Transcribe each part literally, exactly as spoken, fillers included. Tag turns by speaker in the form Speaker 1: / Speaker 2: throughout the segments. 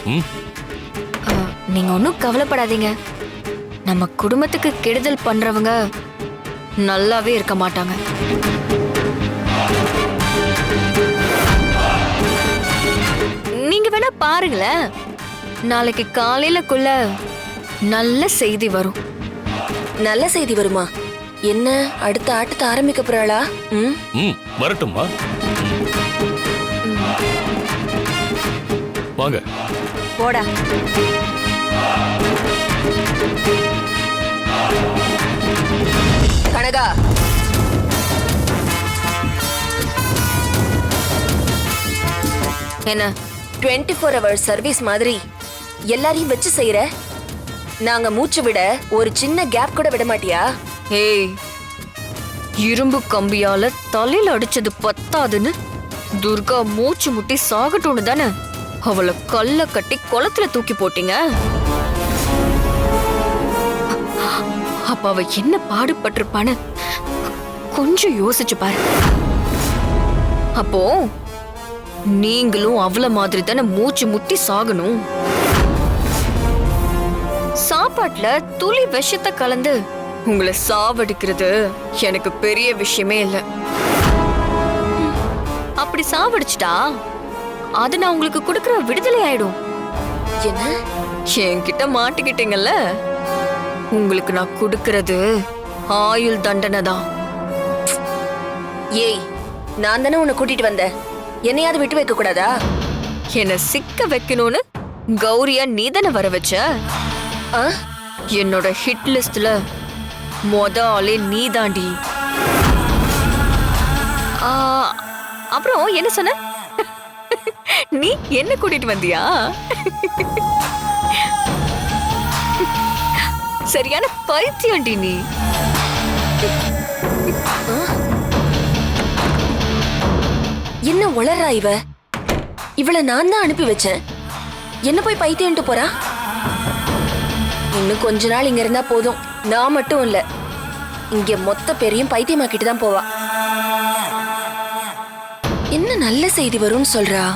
Speaker 1: நீங்க ஒன்றும் கவலைப்படாதீங்க. நம்ம குடும்பத்துக்கு கெடுதல் பண்றவங்க நல்லாவே இருக்க மாட்டாங்க. நீங்க வேணா பாருங்களேன், நாளைக்கு காலையிலக்குள்ள நல்ல செய்தி வரும்.
Speaker 2: நல்ல செய்தி வருமா? என்ன அடுத்த ஆட்டத்தை ஆரம்பிக்க போறாளா? ம்
Speaker 3: ம் வரட்டும்மா. வாங்க
Speaker 2: போடா. கனகா,
Speaker 1: என்ன
Speaker 2: டுவெண்ட்டி ஃபோர் ஹவர் சர்வீஸ் மாதிரி எல்லாரையும் வச்சு செய்யற? நாங்க மூச்சு விட ஒரு சின்ன கேப் கூட விட மாட்டியா?
Speaker 1: ஏய், இரும்பு கம்பியால தலையில அடிச்சது பத்தாதுன்னு துர்கா மூச்சு முட்டி சாகட்டும்னு தானே அவளை கல்ல கட்டி குளத்துல தூக்கி போட்டீங்க. அப்ப அவ என்ன பாடுபட்டிருப்பான்னு கொஞ்சம் யோசிச்சு பாரு. அப்போ நீங்களும் அவள மாதிரி தானே மூச்சு முட்டி சாகணும். சாப்பாட்டுல துளி விஷத்தை கலந்து உங்களை சாவடிக்கிறது எனக்கு பெரிய விஷயமே இல்ல. அப்படி சாவடிச்சிட்டா அது நான் உங்களுக்கு கொடுக்கிற விடுதலை ஆயிடும்.
Speaker 2: என்ன
Speaker 1: என்கிட்ட மாட்டிக்கிட்டீங்கல்ல, உங்களுக்கு நான் கொடுக்கிறது ஆயுள் தண்டனை தான்.
Speaker 2: ஏய், நான் தானே உன்னை கூட்டிட்டு வந்தேன், என்னையாவது விட்டு வைக்க கூடாதா?
Speaker 1: என்ன சிக்க வைக்கணும்னு கௌரியா நீதானே வர வச்ச.
Speaker 2: ஆ?
Speaker 1: என்னோட ஹிட் லிஸ்ட்ல மொத ஆளே நீதாண்டி. ஆ, அப்புறம் என்ன சொன்ன? நீ என்ன கூட்டிட்டு வந்தியா? சரியான பைத்தியம்டி நீ.
Speaker 2: என்ன உளறா இவ? இவளை நான் தான் அனுப்பி வச்சேன், என்ன போய் பைத்தியம்ட்டு போறா? இன்னும் கொஞ்ச நாள் இங்க இருந்தா போதும், நான் மட்டும் இல்ல இங்க மொத்த பேரையும் பைத்தியமாக்கிட்டு தான் போவா. என்ன நல்ல செய்தி வரும்னு சொல்றா?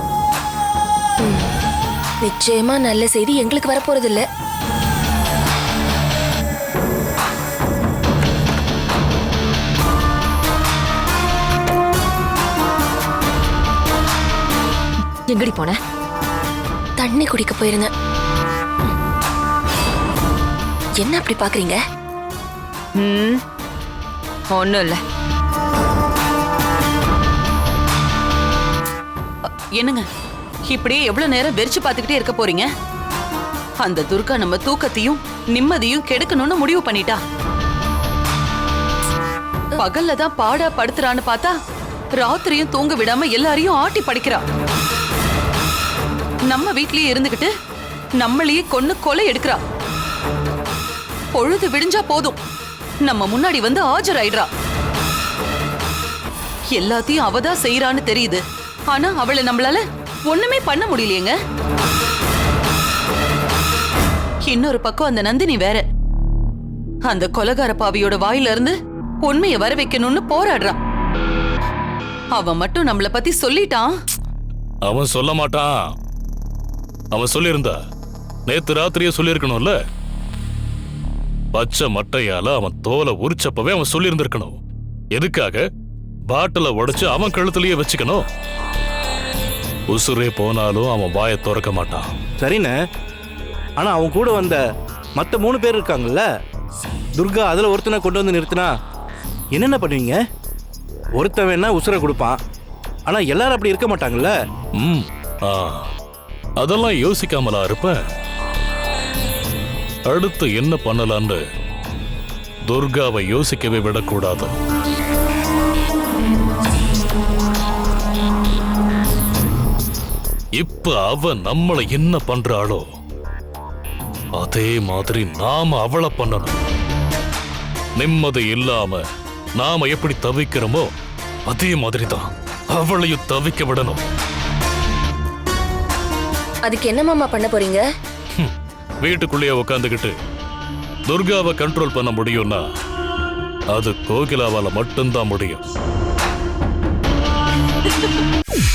Speaker 2: நிச்சயமா நல்ல செய்தி எங்களுக்கு வரப்போறது இல்ல.
Speaker 1: எங்கடி போன?
Speaker 2: தண்ணி குடிக்க போயிருந்தேன். என்ன அப்படி பாக்குறீங்க?
Speaker 1: ம், ஒண்ணும் இல்ல.
Speaker 4: என்னங்க இப்படியே எவ்வளவு நேரம் வெறிச்சு பார்த்துக்கிட்டே இருக்க போறீங்க? அந்த துர்கா நம்ம தூக்கத்தையும் நிம்மதியும் கெடுக்கணும்னு முடிவு பண்ணிட்டா. பகல்ல தான் பாடா படுத்துறான்னு பார்த்தா ராத்திரியும் தூங்க விடாம எல்லாரையும் ஆட்டி படிக்கிறா. நம்ம வீட்லயே இருந்துகிட்டு நம்மளையே கொன்னு கொலை எடுக்கிறா. பொழுது விடிஞ்சா போதும் நம்ம முன்னாடி வந்து ஆஜராயிடுறா. எல்லாத்தையும் அவதான் செய்யறான்னு தெரியுது, ஆனா அவளை நம்மளால ஒண்ணுமே பண்ண முடியலையேங்க. இன்னொரு பக்கம் அந்த நந்தினி வேற, அந்த கொலகார பாவியோட வாயில இருந்து உண்மையை வர வைக்கணும்னு போராடுறான். அவன் மட்டும் நம்மள பத்தி சொல்லிட்டான்.
Speaker 3: அவன் சொல்ல மாட்டான். அவன் சொல்லியிருந்தா நேத்து ராத்திரியே சொல்லியிருக்கணும்ல. பச்சை மட்டையால அவன் தோலை உரிச்சப்பவே அவன் சொல்லியிருந்திருக்கணும். எதுக்காக பாட்டில உடைச்சு அவன் கழுத்துலயே வச்சுக்கணும்? உசுரே போனாலும் அவன் வாயை திறக்க மாட்டான்.
Speaker 5: சரிண்ணே, ஆனா அவன் கூட வந்த மற்ற மூணு பேர் இருக்காங்கல்ல, துர்கா அதுல ஒருத்தனை கொண்டு வந்து நிறுத்தினா என்னென்ன பண்ணுவீங்க? ஒருத்தன் வேணா உசுரை கொடுப்பான், ஆனா எல்லாரும் அப்படி இருக்க மாட்டாங்கல்ல.
Speaker 3: ம், ஆ, அதெல்லாம் யோசிக்காமலா இருப்பேன். அடுத்து என்ன பண்ணலான்னு துர்காவை யோசிக்கவே விடக்கூடாது. இப்ப அவ நம்மளை என்ன பண்றாளோ அதே மாதிரி நாம அவளை பண்ணணும். நிம்மதி இல்லாம நாம எப்படி தவிக்கிறோமோ அதே மாதிரிதான் அவளையும் தவிக்க விடணும்.
Speaker 2: அதுக்கு என்ன மாமா பண்ண போறீங்க?
Speaker 3: வீட்டுக்குள்ளேயே உட்காந்துக்கிட்டு துர்காவை கண்ட்ரோல் பண்ண முடியும்னா அது கோகிலாவால மட்டும்தான் முடியும்.